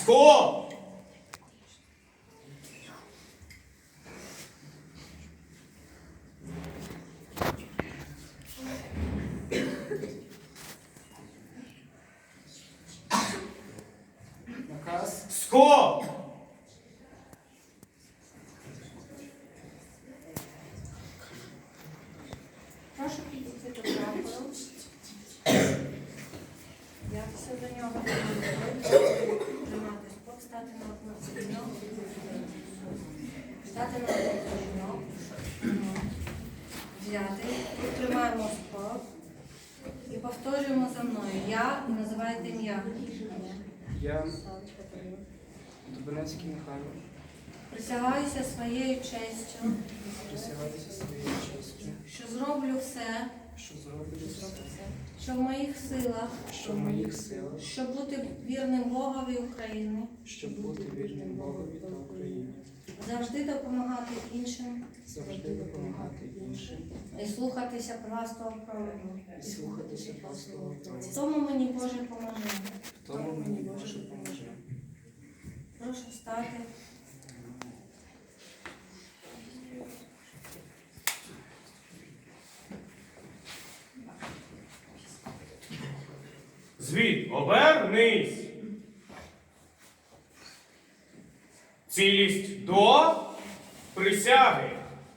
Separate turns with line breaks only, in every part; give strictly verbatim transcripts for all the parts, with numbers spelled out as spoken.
Стоп!
Наказ.
Стоп!
Прошу підійти до прапору. Взятися до нього, тримати спок, стати на одну коліно, стати на одну коліно, взяти, тримаємо спок і повторюємо за мною. Я і називаєте ім'я.
Я, Дубинецький Михайло,
Присягаюся своєю честю,
присягаюся своєю честю,
що зроблю все,
що зроблю все,
що в моїх силах,
що в моїх силах,
щоб бути вірним Богові України,
щоб бути вірним Богові та Україні,
завжди допомагати іншим
завжди допомагати іншим
і слухатися правства провину.
і слухатися пастого
В
Бога.
тому мені Боже поможе.
В тому мені Боже поможе.
Прошу встати.
Звід, обернись. Цілість до присяги.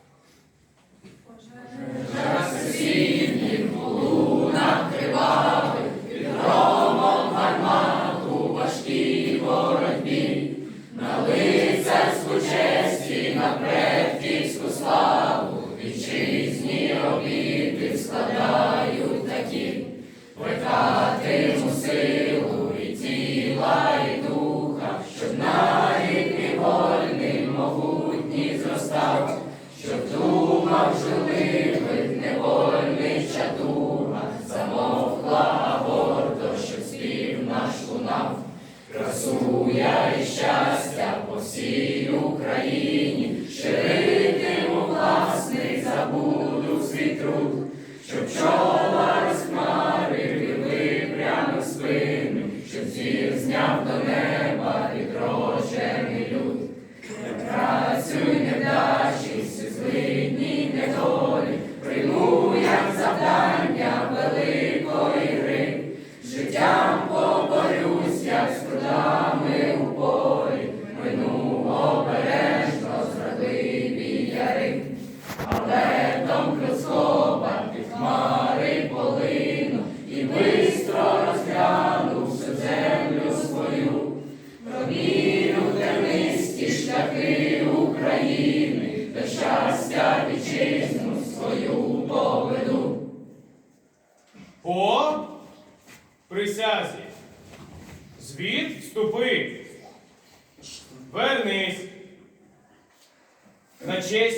По присязі. Звід, вступи. Вернись. На честь